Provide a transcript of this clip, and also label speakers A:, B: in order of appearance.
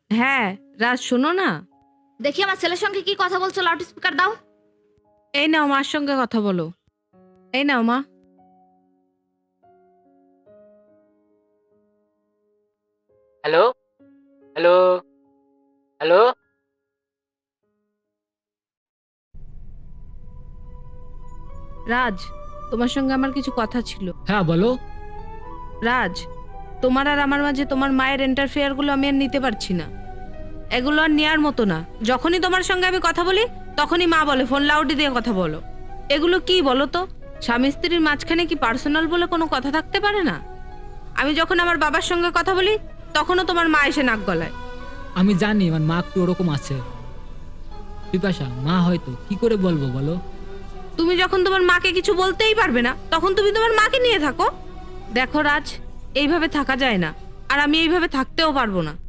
A: হ্যাঁ রাজ, শোনো না।
B: দেখি আমার ছেলের সঙ্গে কি কথা বলছো, লাউড স্পিকার দাও।
A: এই নাও, মার সঙ্গে কথা বলো। এই নাও মা।
C: Hello, hello, hello.
A: রাজ, তোমার সঙ্গে আমার কিছু কথা ছিল।
D: হ্যাঁ বলো।
A: রাজ, তোমার আর আমার মাঝে তোমার মায়ের ইন্টারফেয়ারগুলো আমি আর নিতে পারছি না। এগুলো আর নেওয়ার মতো না। যখনই তোমার সঙ্গে আমি কথা বলি তখনই মা বলে ফোন লাউডে দিয়ে কথা বলো। এগুলো কি বলো তো? স্বামী স্ত্রীর মাঝখানে কি পার্সোনাল বলে কোনো কথা থাকতে পারে না? আমি যখন আমার বাবার সঙ্গে কথা বলি তখনও তোমার মা এসে নাক গলায়।
D: আমি জানি আমার মা একটু ওরকম আছে। বিপাশা, মা হয়তো কি করে বলবো বলো?
A: তুমি যখন তোমার মাকে কিছু বলতেই পারবে না তখন তুমি তোমার মাকে নিয়ে থাকো। দেখো রাজ, এইভাবে থাকা যায় না, আর আমি এইভাবে থাকতেও পারবো না।